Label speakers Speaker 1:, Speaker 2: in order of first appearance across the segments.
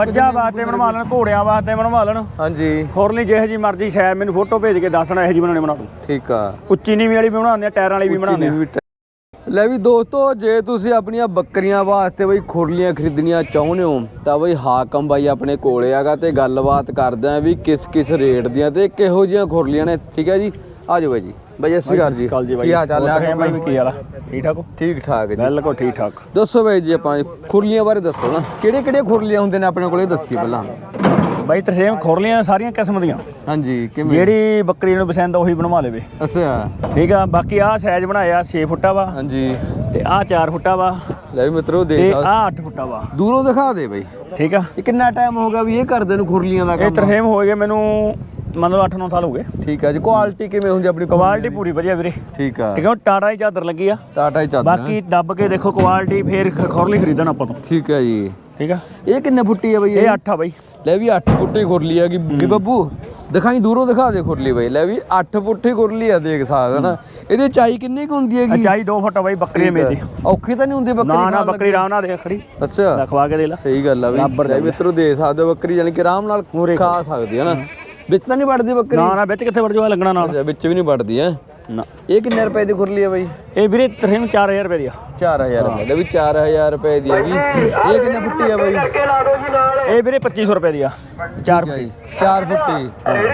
Speaker 1: ਮੱਝਾਂ ਵਾਸਤੇ ਬਣਵਾ ਲੈਣ, ਘੋੜਿਆਂ ਵਾਸਤੇ ਬਣਵਾ ਲੈਣ।
Speaker 2: ਹਾਂਜੀ
Speaker 1: ਖੁਰਲੀ ਜਿਹੇ ਜੀ ਮਰਜ਼ੀ ਸ਼ਾਇਦ ਮੈਨੂੰ ਫੋਟੋ ਭੇਜ ਕੇ ਦੱਸਣਾ ਇਹੋ ਜੀ ਬਣਾਉਣੇ ਬਣਾ ਦੂੰ।
Speaker 2: ਠੀਕ ਆ।
Speaker 1: ਉੱਚੀ ਨੀਵੀਂ ਵਾਲੀ ਵੀ ਬਣਾਉਂਦੇ ਆ, ਟਾਇਰਾਂ ਵਾਲੀ ਵੀ ਬਣਾਉਂਦੇ ਆ।
Speaker 2: ਲੈ ਵੀ ਦੋਸਤੋ, ਜੇ ਤੁਸੀਂ ਆਪਣੀਆਂ ਬੱਕਰੀਆਂ ਵਾਸਤੇ ਬਈ ਖੁਰਲੀਆਂ ਖਰੀਦਣੀਆਂ ਚਾਹੁੰਦੇ ਹੋ ਤਾਂ ਬਈ ਹਾਕਮ ਬਾਈ ਆਪਣੇ ਕੋਲੇ ਆਗਾ ਤੇ ਗੱਲਬਾਤ ਕਰਦੇ ਆ ਵੀ ਕਿਸ ਰੇਟ ਦੀਆਂ ਤੇ ਕਿਹੋ ਜਿਹੀਆਂ ਖੁਰਲੀਆਂ ਨੇ। ਠੀਕ ਹੈ ਜੀ, ਆ ਜਾਓ ਬਾਈ ਜੀ। ਬਾਈ ਸਤਿ ਸ਼੍ਰੀ ਅਕਾਲ ਜੀ। ਕੀ ਹਾਲ ਚਾਲ ਹੈ
Speaker 1: ਬਾਈ? ਕੀ ਹਾਲ ਆ? ਠੀਕ ਠਾਕ ਹੋ?
Speaker 2: ਠੀਕ ਠਾਕ ਜੀ,
Speaker 1: ਬਿਲਕੁਲ ਠੀਕ ਠਾਕ।
Speaker 2: ਦੱਸੋ ਬਾਈ ਜੀ, ਆਪਾਂ ਖੁਰਲੀਆਂ ਬਾਰੇ ਦੱਸੋ ਨਾ, ਕਿਹੜੀਆਂ ਖੁਰਲੀਆਂ ਹੁੰਦੇ ਨੇ ਆਪਣੇ ਕੋਲੇ, ਦੱਸੀਏ ਪਹਿਲਾਂ।
Speaker 1: ਬਾਈ ਤਰਸੇਮ ਖੁਰਲੀਆਂ ਸਾਰੀਆਂ ਕਿਸਮ ਦੀਆਂ।
Speaker 2: ਹਾਂਜੀ, ਕਿਵੇਂ?
Speaker 1: ਜਿਹੜੀ ਬੱਕਰੀ ਨੂੰ ਪਸੰਦ ਉਹੀ ਬਣਵਾ ਲਵੇ।
Speaker 2: ਅੱਛਾ
Speaker 1: ਠੀਕ ਆ। ਬਾਕੀ ਆਹ ਸਾਈਜ਼ ਬਣਾਇਆ 6 ਫੁੱਟਾ ਵਾ।
Speaker 2: ਹਾਂਜੀ।
Speaker 1: ਤੇ ਆਹ 4 ਫੁੱਟਾ ਵਾ।
Speaker 2: ਲੈ ਵੀ ਮਿੱਤਰੋ
Speaker 1: ਤੇ
Speaker 2: ਦੇਖ,
Speaker 1: ਆਹ 8 ਫੁੱਟਾ ਵਾ।
Speaker 2: ਦੂਰੋਂ ਦਿਖਾ ਦੇ ਬਾਈ।
Speaker 1: ਠੀਕ ਆ।
Speaker 2: ਇਹ ਕਿੰਨਾ ਟਾਈਮ ਹੋ ਗਿਆ ਵੀ ਇਹ ਕਰਦੇ ਨੂੰ ਖੁਰਲੀਆਂ ਦਾ ਕੰਮ?
Speaker 1: ਇਹ ਤਰਸੇਮ ਹੋ ਗਏ ਮੈਨੂੰ ਮੰਨ ਲਓ 8-9 ਸਾਲ ਹੋ ਗਏ।
Speaker 2: ਠੀਕ ਆ ਜੀ। ਕੁਆਲਿਟੀ ਕਿਵੇਂ ਹੁੰਦੀ ਆਪਣੀ?
Speaker 1: ਕੁਆਲਿਟੀ ਪੂਰੀ ਵਧੀਆ ਵੀਰੇ।
Speaker 2: ਠੀਕ ਆ।
Speaker 1: ਠੀਕ ਆ। ਟਾਟਾ ਦੀ ਚਾਦਰ ਲੱਗੀ ਆ।
Speaker 2: ਟਾਟਾ ਹੀ ਚਾਦਰ।
Speaker 1: ਬਾਕੀ ਦੱਬ ਕੇ ਦੇਖੋ ਕੁਆਲਿਟੀ, ਫੇਰ ਖੁਰਲੀ ਖਰੀਦਣ ਆਪਾਂ ਤੋਂ।
Speaker 2: ਠੀਕ ਆ ਜੀ।
Speaker 1: ਠੀਕ ਆ।
Speaker 2: ਇਹ ਕਿੰਨੇ ਫੁੱਟੀ ਆ ਬਈ?
Speaker 1: ਇਹ 8 ਆ ਬਾਈ।
Speaker 2: ਲੈ ਵੀ 8 ਫੁੱਟੀ ਖੁਰਲੀ ਆ ਗਈ ਬੱਬੂ, ਦਿਖਾਈ ਦੂਰੋਂ ਦਿਖਾ ਦੇ ਖੁਰਲੀ ਬਈ। ਲੈ ਵੀ 8 ਫੁੱਟੀ ਖੁਰਲੀ ਆ, ਦੇਖ ਸਕਦਾ ਨਾ। ਇਹਦੀ ਉਚਾਈ ਕਿੰਨੀ ਕੁ ਹੁੰਦੀ ਹੈਗੀ?
Speaker 1: ਉਚਾਈ 2 ਫੁੱਟ ਆ ਬਾਈ ਬੱਕਰੀ ਮੇਰੀ।
Speaker 2: ਔਖੀ ਤਾਂ ਨਹੀਂ ਹੁੰਦੀ ਬੱਕਰੀ?
Speaker 1: ਨਾ ਬੱਕਰੀ ਆਰਾਮ ਨਾਲ ਦੇਖ ਖੜੀ।
Speaker 2: ਅੱਛਾ,
Speaker 1: ਲਖਵਾ ਕੇ ਦੇ ਲੈ।
Speaker 2: ਸਹੀ ਗੱਲ ਆ ਬਈ। ਲੈ ਮਿੱਤਰੋ ਦੇਖ ਸਕਦੇ ਹੋ, ਬੱਕਰੀ ਜਾਨੀ ਕਿ ਆਰਾਮ ਨਾਲ ਖਾ ਸਕਦੀ ਹੈ ਨਾ। ਵਿੱਚ ਤਾਂ ਨਹੀਂ ਵੜਦੀ ਬੱਕਰੀ?
Speaker 1: ਨਾ ਵਿੱਚ ਕਿੱਥੇ ਵੜ ਜਾਵਾ, ਲੱਗਣਾ ਨਾਲ।
Speaker 2: ਵਿੱਚ ਵੀ ਨਹੀਂ ਵੜਦੀ ਹੈ ਨਾ। ਇਹ ਕਿੰਨੇ ਰੁਪਏ ਦੀ ਖੁਰਲੀ ਹੈ ਬਾਈ?
Speaker 1: ਇਹ ਵੀਰੇ ਤਰਸੇਮ 4000 ਰੁਪਏ ਦੀ ਆ।
Speaker 2: 4000 ਰੁਪਏ। ਲੈ ਵੀ 4000 ਰੁਪਏ ਦੀ ਹੈਗੀ। ਇਹ ਕਿੰਨੇ ਫੁੱਟੀ ਆ ਬਾਈ?
Speaker 1: ਇਹ ਵੀਰੇ 2500 ਰੁਪਏ ਦੀ ਆ। 4
Speaker 2: ਫੁੱਟੀ।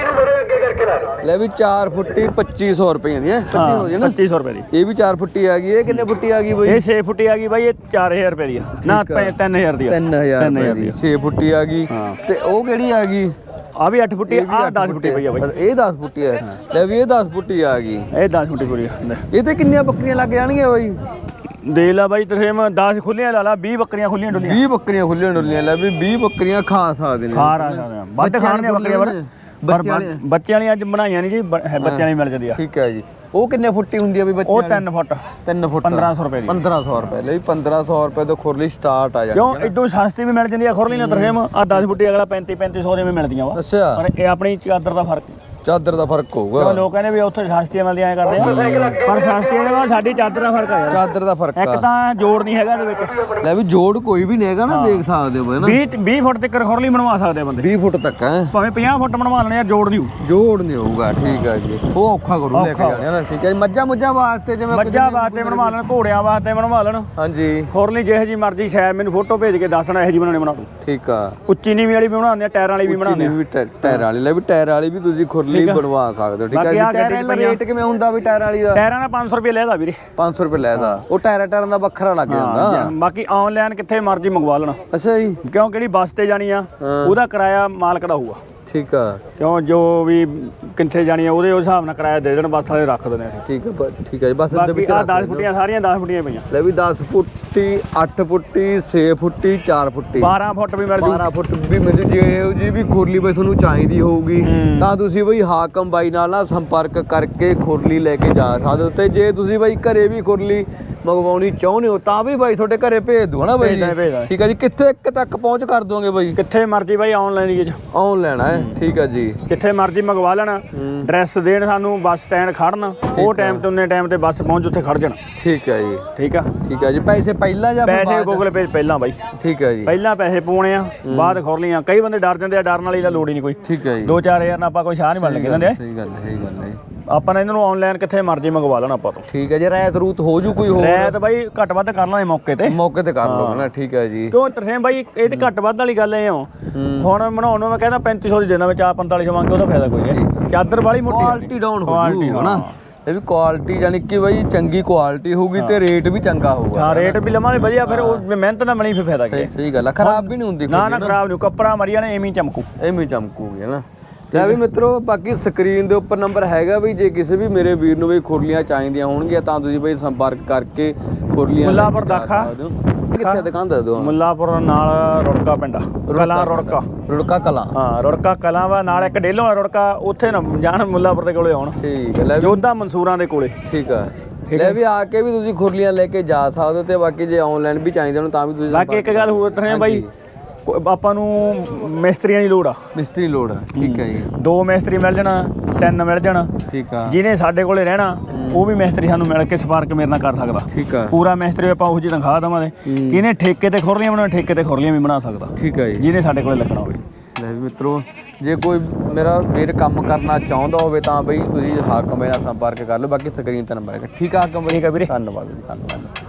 Speaker 2: ਲੈ ਵੀ 4 ਫੁੱਟੀ 2500 ਰੁਪਏ ਦੀ ਹੈ।
Speaker 1: 2500 ਰੁਪਏ ਦੀ।
Speaker 2: ਇਹ ਵੀ 4 ਫੁੱਟੀ ਆ ਗਈ। ਇਹ ਕਿੰਨੇ ਫੁੱਟੀ ਆ ਗਈ ਬਾਈ?
Speaker 1: ਇਹ 6 ਫੁੱਟੀ ਆ ਗਈ ਬਾਈ। ਇਹ 4000 ਰੁਪਏ ਦੀ ਆ। ਨਾ 3000 ਦੀ ਆ।
Speaker 2: 3000 ਰੁਪਏ ਦੀ 6 ਫੁੱਟੀ ਆ ਗਈ। ਤੇ ਉਹ ਕਿਹੜੀ ਆ ਗਈ?
Speaker 1: ਆ ਵੀ 8 ਫੁੱਟੀ। ਆ 10 ਫੁੱਟੀ ਪਈ ਆ ਬਾਈ।
Speaker 2: ਇਹ 10 ਫੁੱਟੀ ਆ। ਲੈ ਵੀ ਇਹ 10 ਫੁੱਟੀ ਆ ਗਈ।
Speaker 1: ਇਹ 10 ਫੁੱਟੀ ਪੂਰੀ ਆ।
Speaker 2: ਇਹ ਤੇ ਕਿੰਨੀਆਂ ਬੱਕਰੀਆਂ ਲੱਗ ਜਾਣਗੀਆਂ ਬਾਈ?
Speaker 1: ਦੇ ਲਾ ਬਾਈ ਤਰਸੇਮ 10 ਖੁੱਲੀਆਂ ਲਾ ਲਾ, 20 ਬੱਕਰੀਆਂ ਖੁੱਲੀਆਂ ਡੁੱਲੀਆਂ।
Speaker 2: 20 ਬੱਕਰੀਆਂ ਖੁੱਲੀਆਂ ਡੁੱਲੀਆਂ। ਲੈ ਵੀ 20 ਬੱਕਰੀਆਂ ਖਾ ਸਕਦੇ ਨੇ।
Speaker 1: ਖਾ ਸਕਦੇ ਆ। ਵੱਧ ਖਾਣ ਦੀਆਂ ਬੱਕਰੀਆਂ ਪਰ ਬੱਚਿਆਂ ਵਾਲੀਆਂ ਅੱਜ ਬਣਾਈਆਂ ਨਹੀਂ ਜੀ, ਬੱਚਿਆਂ ਵਾਲੀ ਮਿਲ ਜਾਂਦੀ ਆ।
Speaker 2: ਠੀਕ ਹੈ ਜੀ। ਉਹ ਕਿੰਨੇ ਫੁੱਟੀ ਹੁੰਦੀ ਆ ਵੀ ਬੱਚਿਆਂ
Speaker 1: ਉਹ
Speaker 2: ਦੀ?
Speaker 1: 3 ਫੁੱਟ।
Speaker 2: 3 ਫੁੱਟ
Speaker 1: 1500 ਰੁਪਏ ਦੀ।
Speaker 2: 1500 ਰੁਪਏ। ਲਈ 1500 ਰੁਪਏ ਤੋਂ ਖੁਰਲੀ ਸਟਾਰਟ ਆ ਜਾਂਦੀ
Speaker 1: ਕਿਉਂ ਇਦੋਂ ਸਸਤੀ ਵੀ ਮਿਲ ਜਾਂਦੀ ਆ ਖੁਰਲੀ ਨਾਲ ਤਰਸੇਮ। ਆ 10 ਫੁੱਟੀ ਅਗਲਾ 3500 ਦੇ ਵੀ ਮਿਲਦੀਆਂ ਵਾ।
Speaker 2: ਅੱਛਾ।
Speaker 1: ਪਰ ਇਹ ਆਪਣੀ ਚਾਦਰ ਦਾ ਫਰਕ।
Speaker 2: ਚਾਦਰ ਦਾ ਫਰਕ ਹੋਊਗਾ।
Speaker 1: ਕਿਉਂ ਲੋਕ ਕਹਿੰਦੇ ਵੀ ਉੱਥੇ ਸਸਤੀਆਂ ਮਿਲਦੀਆਂ ਐ ਕਰਦੇ ਆ, ਪਰ ਸਸਤੀਆਂ ਦੇ ਨਾਲ ਸਾਡੀ ਚਾਦਰ ਦਾ ਫਰਕ ਆ ਯਾਰ।
Speaker 2: ਚਾਦਰ ਦਾ ਫਰਕ
Speaker 1: ਇੱਕ
Speaker 2: ਆ।
Speaker 1: ਤਾਂ ਜੋੜ ਨਹੀਂ ਹੈਗਾ ਇਹਦੇ ਵਿੱਚ।
Speaker 2: ਲੈ ਵੀ ਜੋੜ ਕੋਈ ਵੀ ਨਹੀਂ ਹੈਗਾ ਨਾ, ਦੇਖ ਸਕਦੇ ਹੋ ਨਾ।
Speaker 1: 20 ਫੁੱਟ ਤੱਕ ਖੁਰਲੀ ਬਣਵਾ ਸਕਦੇ ਆ ਬੰਦੇ।
Speaker 2: 20 ਫੁੱਟ ਤੱਕ ਹੈ।
Speaker 1: ਭਾਵੇਂ 50 ਫੁੱਟ ਬਣਵਾ ਲੈਣੇ ਆ, ਜੋੜ ਨਹੀਂ ਹੋਊ।
Speaker 2: ਜੋੜ ਨਹੀਂ ਹੋਊਗਾ। ਠੀਕ ਹੈ ਜੀ। ਉਹ ਔਖਾ ਕਰੂ ਲੈ ਕੇ ਜਾਣੇ ਨਾ। ਠੀਕ ਹੈ ਜੀ। ਮੱਝਾਂ ਵਾਸਤੇ ਜਿਵੇਂ
Speaker 1: ਮੱਝਾਂ ਵਾਸਤੇ ਬਣਵਾ ਲੈਣ, ਘੋੜਿਆਂ ਵਾਸਤੇ ਬਣਵਾ ਲੈਣ।
Speaker 2: ਹਾਂਜੀ।
Speaker 1: ਖੁਰਲੀ ਜਿਹੇ ਜੀ ਮਰਜ਼ੀ ਸ਼ਾਇਦ ਮੈਨੂੰ ਫੋਟੋ ਭੇਜ ਕੇ ਦੱਸਣਾ ਇਹੋ ਜੀ ਬਣਾਉਣੇ ਬਣਾ ਦੂੰ।
Speaker 2: ਠੀਕ ਆ।
Speaker 1: ਉੱਚੀ ਨੀਵੀਂ ਵਾਲੀ ਵੀ ਬਣਾਉਂਦੇ ਆ, ਟਾਇਰਾਂ ਵਾਲੀ ਵੀ ਬਣਾਉਂਦੇ ਆ।
Speaker 2: ਟਾਇਰ ਵਾਲੀ। ਲੈ ਵੀ ਟਾਇਰ ਵਾਲੀ ਵੀ ਤੁਸੀਂ ਖੁਰਲੀ ਬਣਵਾ ਸਕਦੇ ਹੋ। ਠੀਕ ਹੈ ਜੀ। ਟਾਇਰ ਦਾ ਰੇਟ ਕਿਵੇਂ ਹੁੰਦਾ ਵੀ ਟਾਇਰ ਵਾਲੀ ਦਾ?
Speaker 1: ਟਾਇਰਾਂ ਦਾ 500 ਰੁਪਏ ਲੈਦਾ ਵੀਰੇ।
Speaker 2: 500 ਰੁਪਏ ਲੈਦਾ। ਉਹ ਟਾਇਰਾਂ ਦਾ ਵੱਖਰਾ ਲੱਗ ਜਾਂਦਾ।
Speaker 1: ਬਾਕੀ ਆਨਲਾਈਨ ਕਿੱਥੇ ਮਰਜ਼ੀ ਮੰਗਵਾ ਲੈਣਾ।
Speaker 2: ਅੱਛਾ ਜੀ।
Speaker 1: ਕਿਉਂ ਕਿਹੜੀ ਬੱਸ ਤੇ ਜਾਣੀ ਆ ਉਹਦਾ ਕਿਰਾਇਆ ਮਾਲਕ ਦਾ ਹੋਊਗਾ।
Speaker 2: ਠੀਕ ਆ।
Speaker 1: ਕਿਉਂ ਜੋ ਵੀ ਕਿੱਥੇ ਜਾਣੀ ਆ ਉਹਦੇ ਹਿਸਾਬ ਨਾਲ ਕਿਰਾਇਆ ਦੇ ਦੇਣ, ਬੱਸ ਵਾਲੇ ਰੱਖ ਦਿੰਦੇ ਅਸੀਂ।
Speaker 2: ਠੀਕ ਆ। ਠੀਕ ਹੈ ਜੀ। ਬੱਸ ਦੇ ਵਿੱਚ
Speaker 1: 10 ਫੁੱਟੀਆਂ ਸਾਰੀਆਂ 10 ਫੁੱਟੀਆਂ ਪਈਆਂ।
Speaker 2: ਲੈ ਵੀ 10 ਫੁੱਟੀ 8 ਫੁੱਟੀ 6 ਫੁੱਟੀ 4 ਫੁੱਟੀ
Speaker 1: 12 ਫੁੱਟ ਵੀ ਮਿਲ ਜੂ।
Speaker 2: 12 ਫੁੱਟ ਵੀ ਮਿਲ ਜੂ। ਜੇ ਜੀ ਵੀ ਖੁਰਲੀ ਬਈ ਤੁਹਾਨੂੰ ਚਾਹੀਦੀ ਹੋਊਗੀ ਤਾਂ ਤੁਸੀਂ ਬਈ ਹਾਕਮ ਬਾਈ ਨਾਲ ਨਾ ਸੰਪਰਕ ਕਰਕੇ ਖੁਰਲੀ ਲੈ ਕੇ ਜਾ ਸਕਦੇ ਹੋ। ਤੇ ਜੇ ਤੁਸੀਂ ਬਈ ਘਰੇ ਵੀ ਖੁਰਲੀ ਮੰਗਵਾਉਣੀ ਚਾਹੁੰਦੇ ਹੋ ਤਾਂ ਵੀ ਬਾਈ ਤੁਹਾਡੇ ਘਰੇ ਭੇਜ ਦੂ ਹਨਾ ਬਾਈ ਜੀ? ਠੀਕ ਹੈ ਜੀ। ਕਿੱਥੇ ਤੱਕ ਪਹੁੰਚ ਕਰ ਦੋਗੇ ਬਾਈ?
Speaker 1: ਕਿੱਥੇ ਮਰਜ਼ੀ ਬਾਈ ਆਨਲਾਈਨ ਹੀ
Speaker 2: ਆਨਲਾਈਨ ਹੈ। ਠੀਕ ਹੈ ਜੀ।
Speaker 1: ਜਿੱਥੇ ਮਰਜ਼ੀ ਮੰਗਵਾ ਲੈਣਾ, ਐਡਰੈਸ ਦੇਣ ਸਾਨੂੰ, ਬੱਸ ਸਟੈਂਡ ਖੜਨ, ਉਹ ਟਾਈਮ ਤੇ ਉਹਨੇ ਟਾਈਮ ਤੇ ਬੱਸ ਪਹੁੰਚ ਉੱਥੇ ਖੜ ਜਾਣਾ।
Speaker 2: ਠੀਕ ਹੈ ਜੀ।
Speaker 1: ਠੀਕ ਆ।
Speaker 2: ਠੀਕ ਹੈ ਜੀ। ਪੈਸੇ ਪਹਿਲਾਂ ਜਾਂ
Speaker 1: ਪੈਸੇ ਗੂਗਲ ਪੇ ਪਹਿਲਾਂ ਬਾਈ।
Speaker 2: ਠੀਕ ਹੈ ਜੀ।
Speaker 1: ਪਹਿਲਾਂ ਪੈਸੇ ਪਾਉਣੇ ਆ, ਬਾਅਦ ਖੁਰਲੀਆਂ। ਕਈ ਬੰਦੇ ਡਰ ਜਾਂਦੇ ਆ, ਡਰਨ ਵਾਲੀ ਤਾਂ ਲੋੜ ਹੀ ਨਹੀਂ ਕੋਈ।
Speaker 2: ਠੀਕ ਹੈ ਜੀ।
Speaker 1: 2-4000 ਨਾਲ ਆਪਾਂ ਕੋਈ ਸ਼ਾਹ ਨਹੀਂ ਬਣ ਲੱਗੇ ਜਾਂਦੇ।
Speaker 2: ਸਹੀ ਗੱਲ ਹੈ।
Speaker 1: ਆਪਾਂ ਨੇ ਇਹਨਾਂ ਨੂੰ ਆਨਲਾਈਨ ਕਿੱਥੇ ਮਰਜ਼ੀ ਮੰਗਵਾ ਲੈਣਾ ਆਪਾਂ ਤੋਂ।
Speaker 2: ਠੀਕ ਹੈ ਜੀ। ਰਾਇਤ ਰੂਤ ਹੋ ਜੂ ਕੋਈ ਹੋਰ?
Speaker 1: ਰਾਇਤ ਬਾਈ ਘੱਟ ਵੱਧ ਕਰ ਲਾਂਗੇ ਮੌਕੇ ਤੇ
Speaker 2: ਕਰ ਲਓ ਨਾ। ਠੀਕ ਹੈ ਜੀ।
Speaker 1: ਕਿਉਂ ਤਰਸੇਮ ਬਾਈ ਇਹ ਤੇ ਘੱਟ ਵੱਧ ਵਾਲੀ ਗੱਲ ਐ। ਹੁਣ ਬਣਾਉਣ ਨੂੰ ਮੈਂ ਕਹਿੰਦਾ 3500 ਦੀ ਦੇਣਾ, ਵਿੱਚ 4500 ਮੰਗ ਕੇ ਉਹਦਾ ਫਾਇਦਾ ਕੋਈ ਨਹੀਂ। ਚਾਦਰ ਵਾਲੀ ਮੋਟੀ
Speaker 2: ਕੁਆਲਿਟੀ ਡਾਊਨ ਹੋ ਜੂ ਹਨਾ। ਇਹ ਵੀ ਕੁਆਲਿਟੀ ਯਾਨੀ ਕਿ ਬਾਈ ਚੰਗੀ ਕੁਆਲਿਟੀ ਹੋਊਗੀ ਤੇ ਰੇਟ ਵੀ ਚੰਗਾ ਹੋਊਗਾ।
Speaker 1: ਹਾਂ, ਰੇਟ ਵੀ ਲਵਾਂਗੇ ਵਧੀਆ, ਫਿਰ ਉਹ ਮਿਹਨਤ ਨਾਲ ਬਣੀ ਫਿਰ ਫਾਇਦਾ ਕੀ।
Speaker 2: ਸਹੀ ਗੱਲ ਆ। ਖਰਾਬ ਵੀ ਨਹੀਂ ਹੁੰਦੀ।
Speaker 1: ਨਾ ਖਰਾਬ ਨਹੀਂ। ਕੱਪੜਾ ਮਰੀਆ ਨੇ ਐਵੇਂ ਚਮਕੂ।
Speaker 2: ਐਵੇਂ ਚਮਕੂਗੀ ਹਨਾ। ਲੈ ਵੀ ਮਿੱਤਰੋ, ਬਾਕੀ ਸਕਰੀਨ ਦੇ ਉੱਪਰ ਨੰਬਰ ਹੈਗਾ ਵੀ ਜੇ ਕਿਸੇ ਵੀ ਮੇਰੇ ਵੀਰ ਨੂੰ ਬਈ ਖੁਰਲੀਆਂ ਚਾਹੀਦੀਆਂ ਹੋਣਗੀਆਂ ਤਾਂ ਤੁਸੀਂ ਬਈ ਸੰਪਰਕ ਕਰਕੇ ਖੁਰਲੀਆਂ।
Speaker 1: ਮੁੱਲਾਪੁਰ ਦਾਖਾ
Speaker 2: ਕਿੱਥੇ ਦੁਕਾਨ ਦੱਸ ਦਿਓ?
Speaker 1: ਮੁੱਲਾਪੁਰ ਨਾਲ ਰੁੜਕਾ ਪਿੰਡ ਕਲਾਂ।
Speaker 2: ਰੁੜਕਾ ਕਲਾਂ।
Speaker 1: ਹਾਂ, ਰੁੜਕਾ ਕਲਾਂ ਵਾ ਨਾਲ ਇੱਕ ਡੇਲੋਂ ਰੁੜਕਾ, ਉੱਥੇ ਨਾ ਜਾਣ, ਮੁੱਲਾਪੁਰ ਦੇ ਕੋਲੇ ਆਉਣ।
Speaker 2: ਠੀਕ ਹੈ। ਲੈ
Speaker 1: ਜੋਧਾ ਮਨਸੂਰਾਂ ਦੇ ਕੋਲੇ।
Speaker 2: ਠੀਕ ਆ। ਲੈ ਵੀ ਆ ਕੇ ਵੀ ਤੁਸੀਂ ਖੁਰਲੀਆਂ ਲੈ ਕੇ ਜਾ ਸਕਦੇ ਹੋ। ਤੇ ਬਾਕੀ ਜੇ ਆਨਲਾਈਨ ਵੀ ਚਾਹੀਦੇ ਹੋਣ ਤਾਂ ਵੀ ਤੁਸੀਂ।
Speaker 1: ਬਾਕੀ ਇੱਕ ਗੱਲ ਹੋਰ ਤਰ੍ਹਾਂ ਬਾਈ, ਆਪਾਂ ਨੂੰ ਮਿਸਤਰੀਆਂ ਦੀ ਲੋੜ ਆ।
Speaker 2: ਮਿਸਤਰੀ ਲੋੜ ਆ। ਠੀਕ ਹੈ ਜੀ।
Speaker 1: 2 ਮਿਸਤਰੀ ਮਿਲ ਜਾਣਾ, 3 ਮਿਲ ਜਾਣਾ।
Speaker 2: ਠੀਕ ਆ।
Speaker 1: ਜਿਹਨੇ ਸਾਡੇ ਕੋਲੇ ਰਹਿਣਾ ਉਹ ਵੀ ਮਿਸਤਰੀ ਸਾਨੂੰ ਮਿਲ ਕੇ ਸੰਪਰਕ ਮੇਰੇ ਨਾਲ ਕਰ ਸਕਦਾ।
Speaker 2: ਠੀਕ ਆ
Speaker 1: ਪੂਰਾ ਮਿਸਤਰੀ ਆਪਾਂ ਉਹੋ ਜਿਹੀ ਤਨਖਾਹ ਦੇਵਾਂਗੇ। ਕਿਹਨੇ ਠੇਕੇ ਤੇ ਖੁਰਲੀਆਂ ਬਣਾਉਣਾ, ਠੇਕੇ ਤੇ ਖੁਰਲੀਆਂ ਵੀ ਬਣਾ ਸਕਦਾ,
Speaker 2: ਠੀਕ ਹੈ ਜੀ।
Speaker 1: ਜਿਹਨੇ ਸਾਡੇ ਕੋਲੇ ਲੱਗਣਾ ਹੋਵੇ।
Speaker 2: ਲੈ ਵੀ ਮਿੱਤਰੋ, ਜੇ ਕੋਈ ਮੇਰਾ ਵੀਰ ਕੰਮ ਕਰਨਾ ਚਾਹੁੰਦਾ ਹੋਵੇ ਤਾਂ ਬਈ ਤੁਸੀਂ ਹਾਕਮ ਬਾਈ ਨਾਲ ਸੰਪਰਕ ਕਰ ਲਓ। ਬਾਕੀ ਸਕਰੀਨ ਤੇ ਨੰਬਰ ਹੈ। ਠੀਕ ਆ ਹਾਕਮ ਬਾਈ,
Speaker 1: ਠੀਕ ਆ ਵੀਰੇ।
Speaker 2: ਧੰਨਵਾਦ ਜੀ, ਧੰਨਵਾਦ।